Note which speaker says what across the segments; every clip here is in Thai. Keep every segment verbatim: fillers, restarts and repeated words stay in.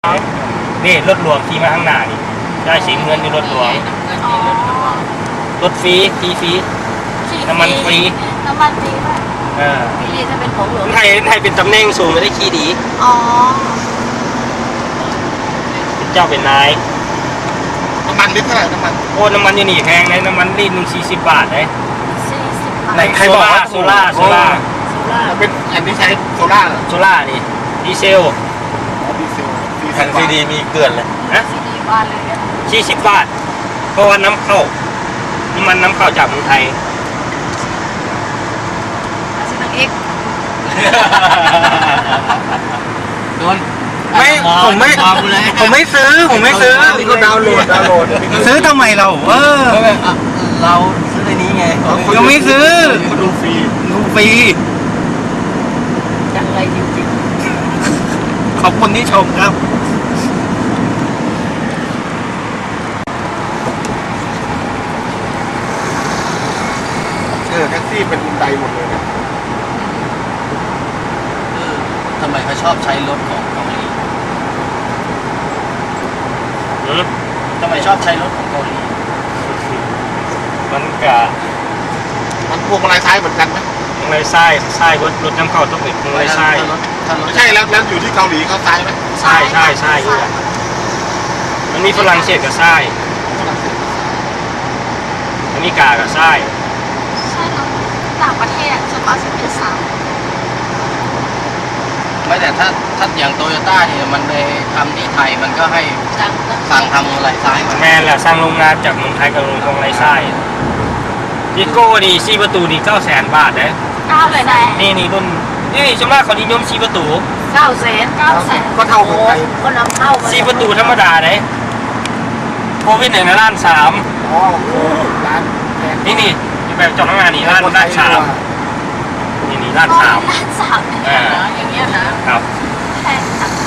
Speaker 1: นี่รถหลวงขี่มาข้างหน้านี่ได้สีเงินอยู่รถหลวงรถฟรีฟรีฟรีน้ำมันฟรี
Speaker 2: น้ำมันฟรีป่ะ
Speaker 1: เออ
Speaker 2: ฟรีจะเป็นของหลวง
Speaker 1: ไทยไทยเป็นตำแหน่งสูงไม่ได้ขี่ดี
Speaker 2: อ๋อ
Speaker 1: เป็นเจ้าเป็นนาย
Speaker 3: น้ำมันลิตรเท่าไหร่น้ำมัน
Speaker 1: โอ้น้ำมันอยู่นี่แพงเลยน้ำมันลิตรหนึ่งสี่สิบบาทเลย
Speaker 2: สี่สิบบาท
Speaker 1: ไหนใครบอกว่าโซล่าโซล่า
Speaker 2: โซล่า
Speaker 3: เป็นอันนี้ใช้โซล่าเหรอ
Speaker 1: โซล่านี่ดีเซล
Speaker 3: ดีเซล
Speaker 4: แผ่นซีดีมีเกลื่อนเลย
Speaker 1: นะ
Speaker 2: ซีดีบ้านเลยเนี่ย
Speaker 1: สี่สิบบาทเพราะว่าน้ำเข้าน้ำมันน้ำเข้าจากเมืองไทย
Speaker 2: ซีนังเอ็ก
Speaker 4: โดน
Speaker 1: ไม่ผมไม่ผมไม่ซื้อผมไม่ซื้อ
Speaker 3: ก็ดาวน์โหลดดาวน์โหลด
Speaker 1: ซื้อทำไมเราเออ
Speaker 4: เราซื้อในนี้ไง
Speaker 1: ยังไม่ซื้อ
Speaker 3: ดูฟรี
Speaker 1: ดูฟรี
Speaker 2: จังไรจริง
Speaker 1: ๆขอบคุณที่ชมครับ
Speaker 3: เออแท็กซี่เป็นอุนไดหมดเลยนะ
Speaker 4: ทำไมเขาชอบใช้รถของเกาหลีทำไมชอบใช้รถของเกาหลี
Speaker 1: มันกะ
Speaker 3: มันพวงมาลัยซ้ายเหมือนกันไหม
Speaker 1: พวงมาลัยซ้ายซ้ายรถรถน้ำเข้าต้องเป็นพวงมาลัยซ้าย
Speaker 3: ไม่ใช่แล้วแล้วอยู่ที่เกาหลีเขาซ้ายไหม
Speaker 1: ใช่ใช่ใช่อยู่มันมีฝรั่งเศสกับซ้ายอเมริกากับซ้าย
Speaker 2: ใช่แล้วต่างประเทศส่วนมากจะเป็นซ้าย
Speaker 4: ไม่แต่ถ้าถ้าอย่างโตโยต้าเนี่ยมันไปทำที่ไทยมันก็ให้สั่งทำอะไรซ้ายมา
Speaker 1: แม่แหละสร้างโรงงานจากเมืองไทยกับโรงงานไรซ้ายดิโก้ดีสี่ประตูดีเก้าแสนบาทเลย
Speaker 2: เก้าเลยนะ
Speaker 1: นี่นี่รุ่นนี่ส่วนมากเขานิยมสี่ประตู
Speaker 2: เก้าแสนเก้าแสน
Speaker 3: ก็เท่ากับไทย
Speaker 2: ก็นำเข้า
Speaker 1: สี่ประตูธรรมดาเลยโควิดไหนนะล้านสาม
Speaker 3: อ๋อร้าน
Speaker 1: นี่นี่แบบจองงานนี่ล้านล้านสามนี่นี่ล้านสาม
Speaker 2: ล้านสาม
Speaker 1: อ่า
Speaker 2: อย่างเงี้ยนะครับแพงจัง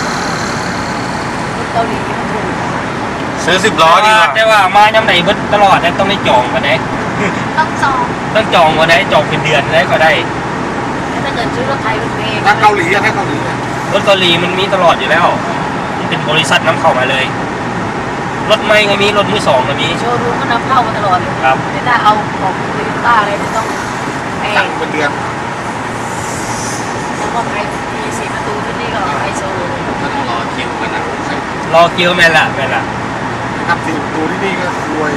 Speaker 2: เกาหลีมันถูก
Speaker 4: ซื้อสิบล้อดีกว่า
Speaker 1: แต่ว่ามาย่ำไหนบึ้ตลอดต้องได้จองกันได้
Speaker 2: ต้องจอง
Speaker 1: ต้องจองกันได้จองเป็นเดือนได้ก็ได้
Speaker 2: ถ้าเกิดซื้อรถไทยรถเมล์
Speaker 3: ถ้าเกาหลีถ้าเกาหลี
Speaker 1: รถเกาหลีมันมีตลอดอยู่แล้วมันเป็นบริษัทนำเข้ามาเลยรถไม่ก็มีรถมือสองก็มี
Speaker 2: โชว์รูมก็นำเข้ามาตลอดเลย
Speaker 1: ครับ
Speaker 2: แต่ถ้าเอาของโตโยต้าอะไรจะต้อง
Speaker 3: ตั้งเป็นเดือน
Speaker 2: แล้วก็ไอมีสี่ประตูที่นี่ก็ไอโซ
Speaker 4: ก็ต้องรอคิวกันนะ
Speaker 1: รอคิวแม่ละแม่ละ
Speaker 3: ทำสี่ประตูที่นี่ก็รวย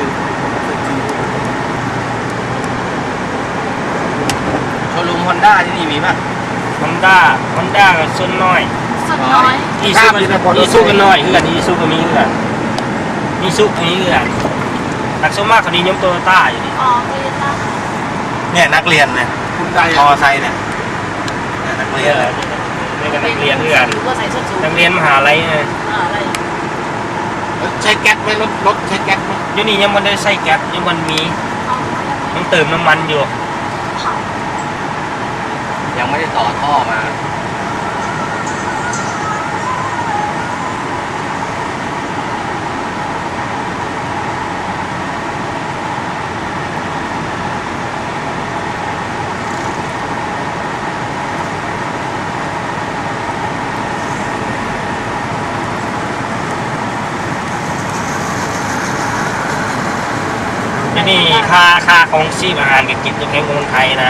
Speaker 4: โชว์รูมฮอนด้าที่นี่มีป่ะ
Speaker 1: ฮอนด้าฮอนด้ากับส่วนน้อย
Speaker 2: ส่วนน้อย
Speaker 1: อีซูอีซูกันน้อยเพื่อนอีซูก็มีเพื่อนมีซุกนี้เพื่อนนักสมัครเขานิยมโตโยต้าอยู่นี่
Speaker 2: อ๋อโตโยต้า
Speaker 4: เนี่ยนักเรียนเนี่ย
Speaker 3: คุณได
Speaker 4: มอไซค์เนี่ยนักเรียน
Speaker 1: นี่ก็นักเรียนเพื่อนนักเรียนมหาลัยเนี่ย
Speaker 3: ใช้แก๊สไหมรถรถใช้แก๊สไหม
Speaker 1: อยู่นี่ยังมันได้ใส่แก๊สยังมันมียังเติมน้ำมันอยู่
Speaker 4: ยังไม่ได้ต่อท่อมา
Speaker 1: นี่ค่าค่าของชีพอาหารกับกินจะแพงกว่าเมืองไทยนะ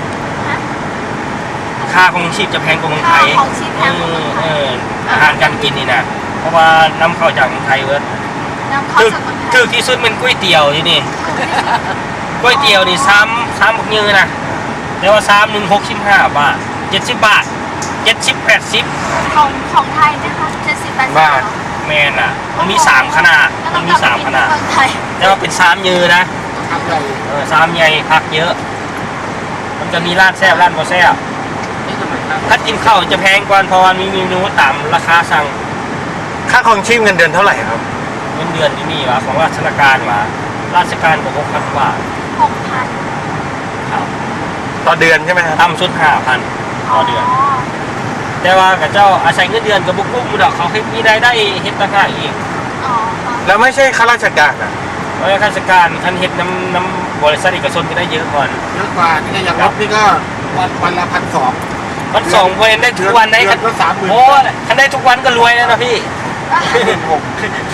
Speaker 1: ค่าของชีพจะแพงกว่าเมืองไทยเอออาหารการกินนี่นะเพราะว่านำเข้าจากเมืองไทยเว้ยคือคือที่สุดเป็นก๋วยเตี๋ยวที่นี่ก๋วยเตี๋ยวนี่ซ้ำซ้ำบักยืนนะแต่ว่าซ้ำหนึ่งหกสิบห้าบาทเจ็ดสิบบาทเจ็ดสิบแปดสิบ
Speaker 2: ของของไทยนะคะเจ็ดสิบแปดสิบบาท
Speaker 1: แม่น่ะมันมีสามขนาดมันมีสามขนาดแต่ว่าเป็นซ้ำยืนนะเออซ้ำใหญ่พักเยอะมันจะมีร้านแซ่บร้านบ่แซ่บถ้ากินข้าวจะแพงกว่าเพราะว่ามีเมนูตามราคาสั่ง
Speaker 4: ค่าครองชีพเงินเดือนเท่าไหร่ครับ
Speaker 1: เงินเดือนที่นี่วะของราชการวะราชการก็หกพันบาท
Speaker 2: หกพัน
Speaker 1: ครับ
Speaker 4: ต่อเดือนใช่ไหมครับ
Speaker 1: ต่ำสุดห้าพันต่อเดือนแต่ว่ากับเจ้าอาศัยเงินเดือนกับบุกบุกมุดเขาให้มีรายได้เฮ็ดต่างหากอีก
Speaker 4: แล้วไม่ใช่ข้าราชการอ่ะ
Speaker 1: เพราะข้าราชการท่านเฮ็ดน้ำน้ำบริษัทเอกชนก็ได้เยอะกว่า
Speaker 3: เยอะกว่านี่อย่างรถนี่ก็วันวันละพันสอง
Speaker 1: วันสองเพนได้ทุกวันได้
Speaker 3: เดื
Speaker 1: คั
Speaker 3: อน นก็สามหมื่น
Speaker 1: โอ้คันได้ทุกวันก็รวยแล้วนะพี่
Speaker 3: หมื่นหก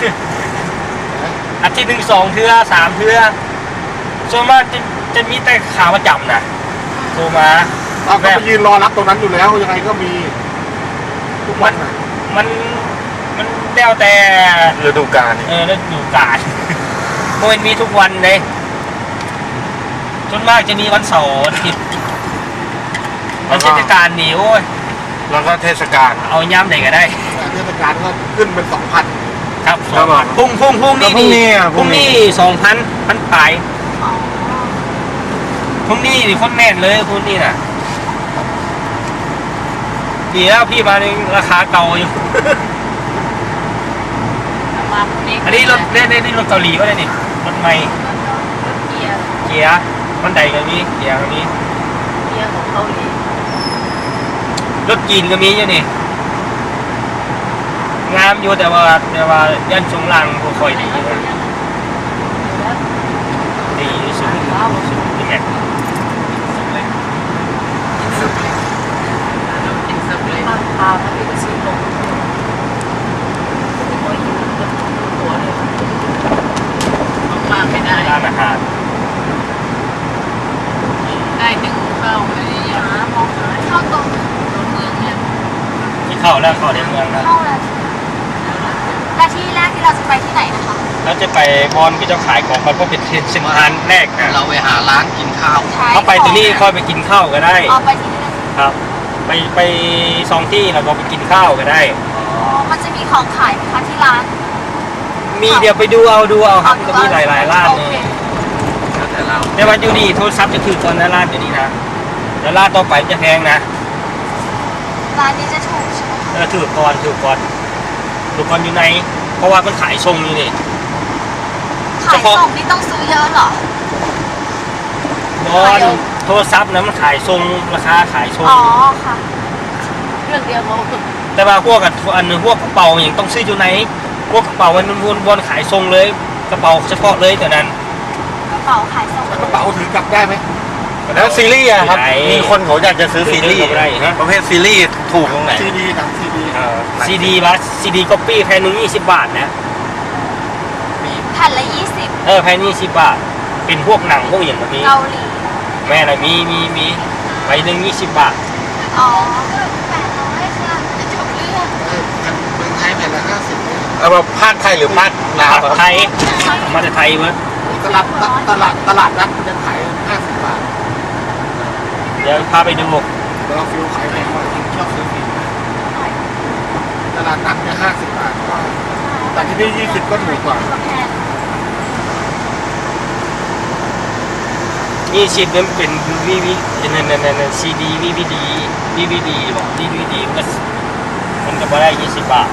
Speaker 1: อาทิตย์หนึ่งสองเทื่อสามเทื่อส่วนมากจะจะมีแต่ขาประจำนะโทรมา
Speaker 3: เราก็ไปยืนรอรับตรงนั้นอยู่แล้วยังไงก็มีทุกวันน่ะ
Speaker 1: มันมันแล้วแต่
Speaker 3: ฤดูกาล
Speaker 1: เออฤดูกาลโมนมีทุกวันเลยส่วนมากจะมีวันเสาร์อาทิตย์วันเทศกาลนี่โอ้ย
Speaker 3: แล้วก็เทศกาล
Speaker 1: เอาย้ำไหนก็ได้
Speaker 3: เทศกาลก็ขึ้นเป็นสองพัน
Speaker 1: ครับส
Speaker 3: ครั
Speaker 1: อบ ง
Speaker 3: ผม
Speaker 1: พันพุ่งพุ่งพุ่งนี่
Speaker 3: แล้วพรุ่งนี้อ่ะ
Speaker 1: พรุ่งนี้สองพันพันปลาย
Speaker 2: อ๋อ
Speaker 1: พรุ่งนี้นี่คนแน่นเลยพรุ่งนี้น่ะดีแล้วพี่มาในราคาเก่าอยู่
Speaker 2: มาพรุ่งนี้
Speaker 1: อันนี้รถเล่นนี่รถเกาหลีก็ได้นี่รถใหม่
Speaker 2: เกียร์
Speaker 1: เกียร์มันใดก็มีเกียร์ก็มี
Speaker 2: เกียร์ของเกาหลี
Speaker 1: รถจีนก็มีอยู่นี่งามอยู่แต่ว่าแต่ว่ายันชงลังบ่ค่อยดีนะดีสุดสุดนี่แหละ
Speaker 2: พาพามาที่กระชีลงโอ้ยหัวเลยมากไม่ได้
Speaker 1: ร้านอาหาร
Speaker 2: ได้หนึ่งเข้าไปหามองหาเข้าตรงตรงเมืองเนี่ย
Speaker 1: ที่เข้าแล้วเข้าในเมืองนะ
Speaker 5: เข้าแล้วและที่แรกที่เราจะไปที่ไหนนะคะ
Speaker 1: แล้วจะไปบอลก็จะขายของมันก็เป็นเส้นทางแรกนะ
Speaker 4: เราไปหาร้านกินข้าว
Speaker 1: เขาไปที่นี่ค่อยไปกินข้าวก็ได้
Speaker 5: อ๋อไปที่นี่
Speaker 1: ครับ ไปไปสองที่แล้วก็ไปกินข้าวก็ได้
Speaker 5: อ๋อมันจะมีของขายไหมคะที่ร้าน
Speaker 1: มีเดี๋ยวไปดูเอาดูเอาครับ
Speaker 5: เอ
Speaker 1: ก็มีหลายๆร้าน
Speaker 5: โอ
Speaker 1: เล
Speaker 5: เค
Speaker 1: ย
Speaker 4: แต่เรา
Speaker 1: แต่ว่าอยู่นี่โทรศัพท์จะถือตอนนั้นร้านอยู่นี่นะแล้วร้านต่อไปจะแพงนะ
Speaker 5: ร้านนี้จะถูกใช่ไหม
Speaker 1: เออถือก่อนถือก่อนถือก่อนอยู่ในเพราะว่ามันขายทรงนี่นี่
Speaker 5: ขายส่งนี่ต้องซื้อเยอะเหรอบ
Speaker 1: อลโทรศัพท์นะมันขายทรงราคาขายทรง
Speaker 5: อ๋อค่ะ
Speaker 2: เรื่องเดียวเขา
Speaker 1: แต่ว่าพวกกับอันนึงพวกกระเป๋าอย่างต้องซื้ออยู่ในพวกกระเป๋ามันวนวนขายทรงเลยกระเป๋าเฉพาะเลยแต่นั้น
Speaker 5: กระเป๋าขายส่ง
Speaker 3: แล้วกระเป๋าถือกลับได้ไหม
Speaker 4: แล้วซีรีส์อะครับ มีคนเขาอยากจะซื้อซีรีส์
Speaker 1: ซื้อได้ฮะ
Speaker 4: ประเภทซีรีส์ถูกตรงไหน
Speaker 3: ซีดีหนังซีดี
Speaker 1: ซีดีบัสซีดีก๊อปปี้แพนหนึ่งยี่สิบบาทนะ
Speaker 5: แผ่นละยี่สิบ
Speaker 1: เออแพนยี่สิบบาท เป็นพวกหนังพวกอย่างแบบนี้
Speaker 5: เกาหลี
Speaker 1: แม่ละมีมีมีใบหนึ่งยี่สิบบาท
Speaker 5: อ๋อแปดร้อยค่ะจบเรื่อง
Speaker 3: เออแผ่นเมืองไทยแผ่นละห้าสิบ
Speaker 4: เอามาภาคไทยหรือภาคลาว
Speaker 1: ไทยมาจากไทยเว้ย
Speaker 3: ตลาดตลาดตลาดนัดมันจะขายห้าสิบบาท
Speaker 1: เดี๋ยวพาไปดู
Speaker 3: แต่เราฟิลขายแพงกว่าที่ชอบซื้อฟิลตลาดนัดเนี่ยห้าสิบบาทก็แต่ที่นี่ยี่สิบก็ถูกกว่า
Speaker 5: แผ่น
Speaker 1: ยี่สิบนั้นเป็นวีวีนั่นนั่นนั่นซีดีวีวีดีวีวีดีบอกวีวีดีมันก็มันก็บ่ได้ยี่สิบบาท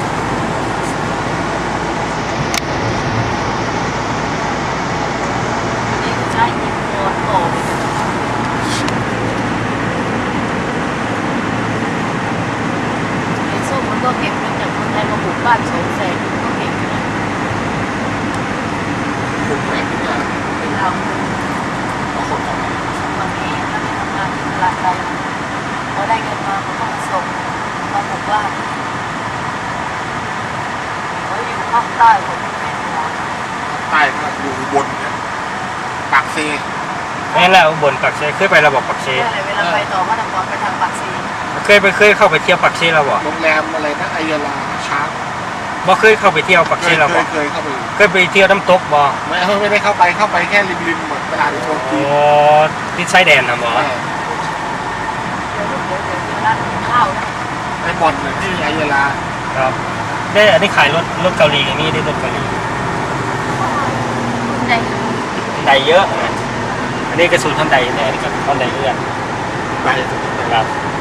Speaker 2: นี่ใช่ยิงตัวโตไอ้ส้มมันก็เก็บเงินจากคนไทยมาปลูกบ้านสองแสนก็เก่งนะ
Speaker 3: ถูกแพงทุกอย่าง
Speaker 2: เป็นเราบางทีถ้าไปทำงานที่ตลาดไทยพอได้เงินมาเขาก็มาส่งมาปลูกบ้านเขาอยู่ภาคใต้ผมไม่เป็นหรอก
Speaker 3: ใต้ก็อยู่บนเนี่ยปากเซ
Speaker 1: นั่นแหละอุบลปักเซเคยไประบบปักเซ
Speaker 2: เวลาไปต่อมาตะกอนไปทางปากซี
Speaker 1: เคยไปเคยเข้าไปเที่ยวปักเซแล้วบ่
Speaker 3: โรงแรมอะไรนะไอยาลาช้าง
Speaker 1: บ่เคยเข้าไปเที่ยวปัก
Speaker 3: เค
Speaker 1: เซ
Speaker 3: ย
Speaker 1: แล้ว
Speaker 3: เค
Speaker 1: บ่
Speaker 3: ยเคยเข้าไป
Speaker 1: เคยไปเที่ยวน้ำตกบ่
Speaker 3: ไม่ไม่ได้เข้าไปเข้าไปแค่ริมริมๆเหมือนตลาดในโชว์จี
Speaker 1: โอ้
Speaker 3: น
Speaker 1: ที่ชายแดนนะบ่
Speaker 3: เออ
Speaker 2: เดี๋ยวเดี๋ยวเดี๋ยวเดี๋ยวร้านข้าวนะ
Speaker 3: ไอ้บ่อนเนี่ยที่ไอยาลา
Speaker 1: ครับได้อันนี้ขายรถรถเกาหลีอย่างนี้ได้รถเกาหลี
Speaker 5: ใด
Speaker 1: ไดเยอะนะอันนี้กระสุนท่านใดเนี่ยอันนี้ก็ท่านใดเลื่อน
Speaker 3: ไป
Speaker 1: ครับ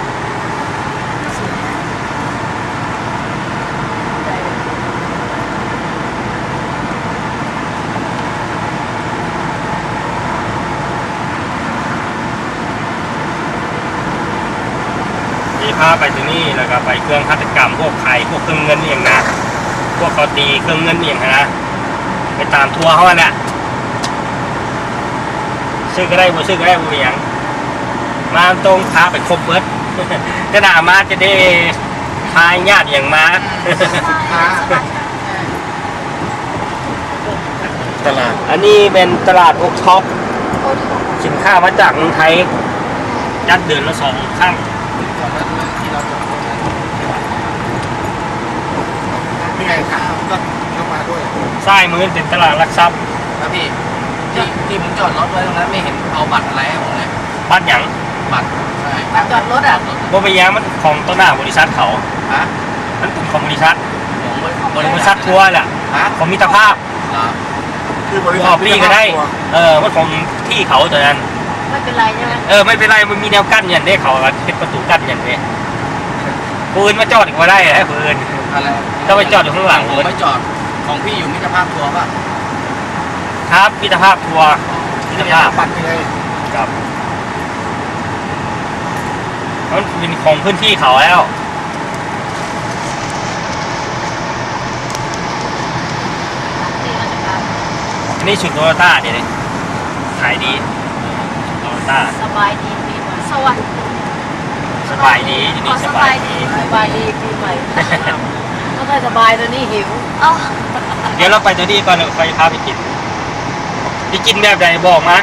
Speaker 1: มีพาไปที่นี่แล้วก็ไปเครื่องฆาตกรรมพวกไข่พวกเครื่องเงินอย่างนะพวกเขาตีเครื่องเงินอย่างนะไปตามทัวร์เขาเนี่ยซื้อก็ได้บ่ซื้อก็ได้บ่มีหยังมาตรงพาไปครบเบิดก็น่ามาจะได้ทายญาติอย่างมา
Speaker 3: ตลาด
Speaker 1: อันนี้เป็นตลาดโอ๊กช็อปสินค้ามาจากเมืองไทยจัดเดือนละสองครั้ง
Speaker 4: ก่อนหน้านั้นที่เราจอดรถนั้น
Speaker 3: นี่ไงครับก็เข้ามาด้วย
Speaker 1: ทรายมือเป็นตลาดหลักทรัพย์
Speaker 4: นะพี่ที่ที่ผมจอดรถไว้ตรงนั้นไม่เห็นเอาบัตรอะไรให้ผมเลย
Speaker 1: บ้านหยัง
Speaker 4: บัตรใช่
Speaker 2: มาจอดรถอ่ะ
Speaker 1: บ่ไปย้งมันของต้นหน้าบริษัทเขา
Speaker 4: ฮะ
Speaker 1: มันเป็นของบริษัท
Speaker 4: ผมไม่
Speaker 1: บริษัททัวร์แหละ
Speaker 4: ฮะ
Speaker 1: ของมิตรภาพ
Speaker 4: เหรอ
Speaker 3: คือบริ
Speaker 1: อ
Speaker 3: ษั
Speaker 1: อ
Speaker 3: ท
Speaker 1: กปีก็ได้ เออมันของที่เขาตัวนั้น
Speaker 2: ไม่เป็นไรใช่ไหม
Speaker 1: เออไม่เป็นไรมันมีแนวกั้นอย่างนี้เขาเป็นประตูกั้นอย่างนี้ปืนมาจอดอีกมาได้ฮะปืน
Speaker 4: อะไร
Speaker 1: ถ้าไปจอดอยู่ข้างหลัง
Speaker 4: ผมไม่จอดของพี่อยู่มิตรภาพทัวร์ป่ะ
Speaker 1: ครับมิตรภาพทัวร์มิตรภาพ
Speaker 3: ปัดยังไง
Speaker 1: ครับมันเป็นของพื้นที่เขาแล้ว อันนี้ชุดโตโยต้าเนี่ยเลยขายดีโตโยต้า
Speaker 2: สบายดีปีใหม่
Speaker 5: สวัสดี
Speaker 1: สบายดีอยู่นี่สบายดี
Speaker 2: สบายดีปีใหม่ไม่ค่อยสบายตอนนี้หิว
Speaker 5: เอ้า
Speaker 1: เดี๋ยวเราไปตัวนี้ก่อนเดี๋ยวไปพาไปกินไปกินแบบใดบอกมา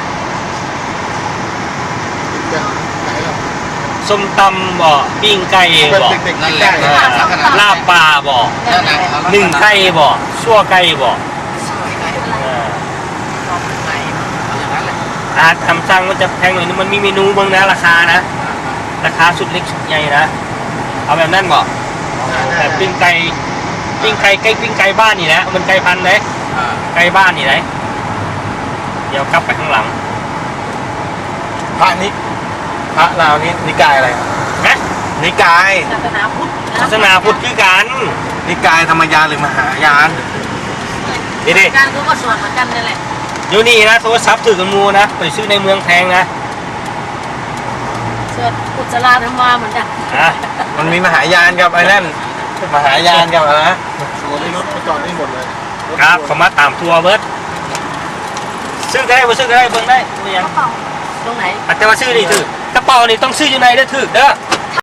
Speaker 3: จะไหนหรอ
Speaker 1: ส้มตำบ่ปิ้งไก่
Speaker 3: เป็น
Speaker 1: บ่
Speaker 3: เด็กๆ
Speaker 4: นั่นแห
Speaker 3: ได้
Speaker 4: ละ
Speaker 1: ลาบปลาบ่
Speaker 4: นั่นแหละ
Speaker 1: หนึ่งไก่บ่ชั่วไก่บ่ เออ
Speaker 4: เอาอย่างนั้นแหละ
Speaker 1: อาหารทำสั่งมันจะแพงหน่อยนึงมันมีเมนูเบ้างนะราคานะ ราคาสุดเล็กสุดใหญ่นะ เอาแบบนั้นบ่แบบปิ้งไก่ปิ้งไก่ไก่ปิ้งไก่บ้านนี่นะมันไก่พันธุ์เลย
Speaker 4: อ่า
Speaker 1: ไก่บ้านนี่เลยเดี๋ยวกลับไปข้างหลัง
Speaker 3: พระนิพระลาวนี่นิกายอะไร
Speaker 1: นะ
Speaker 3: นิกาย
Speaker 2: ศาสนาพุทธนะ
Speaker 1: ศาสนาพุทธคือกัน
Speaker 3: นิกายธรรมยานหรือมหายาน
Speaker 1: นี่ดิ
Speaker 2: การก็สวดเหมือนกันนั่นแหละ
Speaker 1: อยู่นี่นะโทรศัพท์ถือกันมูนะไปซื้อในเมืองแพงนะ
Speaker 2: สวดอุจจาระธรรมาเหมือนกัน
Speaker 1: อ่ะ
Speaker 3: มันมีมหายานกับไอ้นั่นมหายานกับอะไรนะโอ้ยรถมาจอดนี่หมดเลย
Speaker 1: ครับเขามาตามทัวร์เบิร์ดซื้อก็ได้บ่ซื้อก็ได้เบิ่งได้ไม่ยัง
Speaker 5: กระเป๋า
Speaker 2: ตรงไหน
Speaker 1: แต่ว่าซื้อนี่ถือกระเป๋านี่ต้องซื้ออยู่ในได้อถือเด้อ